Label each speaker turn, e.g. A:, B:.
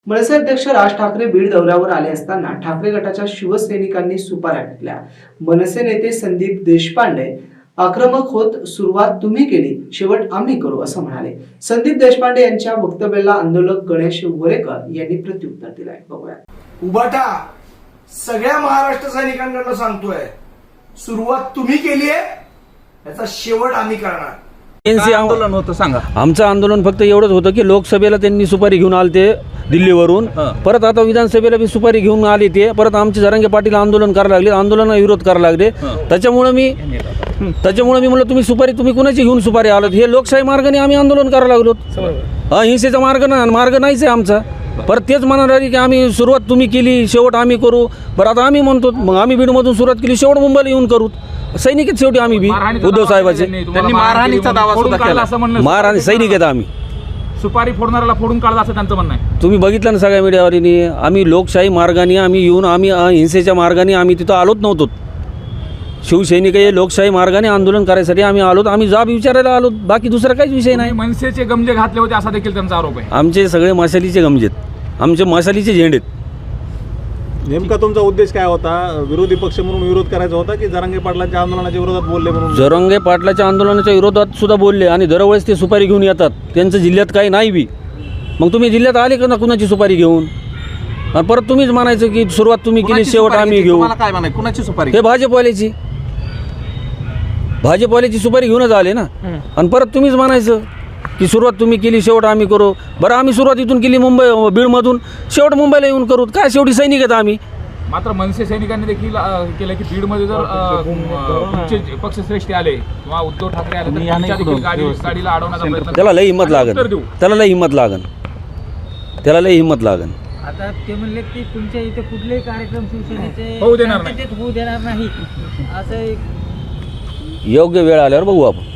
A: मनसे अध्यक्ष राज ठाकरे बीड दौऱ्यावर आले असताना ठाकरे गटाच्या शिवसैनिकांनी सुपाऱ्या टाकल्या। मनसे नेते संदीप देशपांडे आक्रमक होत सुरुवात तुम्ही केली, शेवट आम्ही करू असं म्हणाले। संदीप देशपांडे यांच्या वक्तव्याला आंदोलक गणेश वरेकर यांनी प्रत्युत्तर दिलंय। बघूया।
B: उबाटा सगळ्या महाराष्ट्र सैनिकांकडून सांगतोय, सुरुवात तुम्ही केली आहे, याचा शेवट आम्ही करणार।
C: एनसी आंदोलन होतं, सांगा।
D: आमचं आंदोलन फक्त एवढंच होतं की लोकसभेला त्यांनी सुपारी घेऊन आले दिल्लीवरून, परत आता विधानसभेला बी सुपारी घेऊन आली ते, परत आमचे जरांगे पाटील आंदोलन करायला लागले, आंदोलनाला विरोध करायला लागले। त्याच्यामुळे मी म्हणलं तुम्ही सुपारी तुम्ही कुणाची घेऊन सुपारी आलात, हे लोकशाही मार्गाने आम्ही आंदोलन करायला लागलो। हिंसेचा मार्ग नाहीच आहे आमचा। परत तेच म्हणणार आहे की आम्ही सुरुवात तुम्ही केली, शेवट आम्ही करू। बरं आता आम्ही म्हणतो मग आम्ही बीडमधून सुरुवात केली, शेवट मुंबईला येऊन करू। सैनिक आहेत शेवटी आम्ही बी उद्धव साहेबाचे।
C: त्यांनी मारहाणीचा दावा सुद्धा केला, असं म्हणणं
D: मारहाणी सैनिक आहेत आम्ही।
C: सुपारी फोडणाऱ्याला फोडून काढला असं त्यांचं म्हणणं आहे।
D: तुम्ही बघितलं ना सगळ्या मीडियावरीने, आम्ही लोकशाही मार्गाने आम्ही येऊन आम्ही हिंसेच्या मार्गाने आम्ही तिथं आलोच नव्हतो। शिवसैनिक हे लोकशाही मार्गाने आंदोलन करायसाठी आम्ही आलोत, आम्ही जाब विचारायला आलोत, बाकी दुसरा काहीच विषय नाही।
C: मनसेचे गमजे घातले होते असा देखील त्यांचा आरोप आहे।
D: आमचे सगळे मशालीचे गमजेत, आमचे मशालीचे झेंडेत।
E: नेमका तुमचा उद्देश काय होता? विरोधी पक्ष म्हणून विरोध करायचा होता की जरांगे पाटलांच्या आंदोलनाच्या विरोधात बोलले म्हणून?
D: जरांगे पाटलाच्या आंदोलनाच्या विरोधात सुद्धा बोलले आणि दरवेळेस ते सुपारी घेऊन येतात, त्यांचं जिल्ह्यात काही नाही बी। मग तुम्ही जिल्ह्यात आले का ना कुणाची सुपारी घेऊन? आणि परत तुम्हीच म्हणायचं की सुरुवात तुम्ही केली, शेवट आम्ही घेऊ।
C: काय म्हणाय, कुणाची सुपारी?
D: हे भाजपवाल्याची सुपारी घेऊनच आले ना। आणि परत तुम्हीच म्हणायचं की सुरुवात तुम्ही केली, शेवट आम्ही करू। बरं आम्ही सुरुवात इथून केली बीडमधून, शेवट मुंबईला येऊन करू। काय शेवटी सैनिक आहेत आम्ही।
C: मात्र मनसे सैनिकांनी देखील केलं की बीडमध्ये जर पक्षश्रेष्ठी आले किंवा उद्धव ठाकरे आले तर त्यांच्या देखील गाडीला अडवण्याचा प्रयत्न।
D: त्याला लई हिंमत लागन।
F: आता ते म्हणले की तुमच्या इथे कुठलेही कार्यक्रम शिवसेनेचे
C: होऊ देणार नाही
F: असं
D: योग्य वेळ आल्यावर बघू आपण।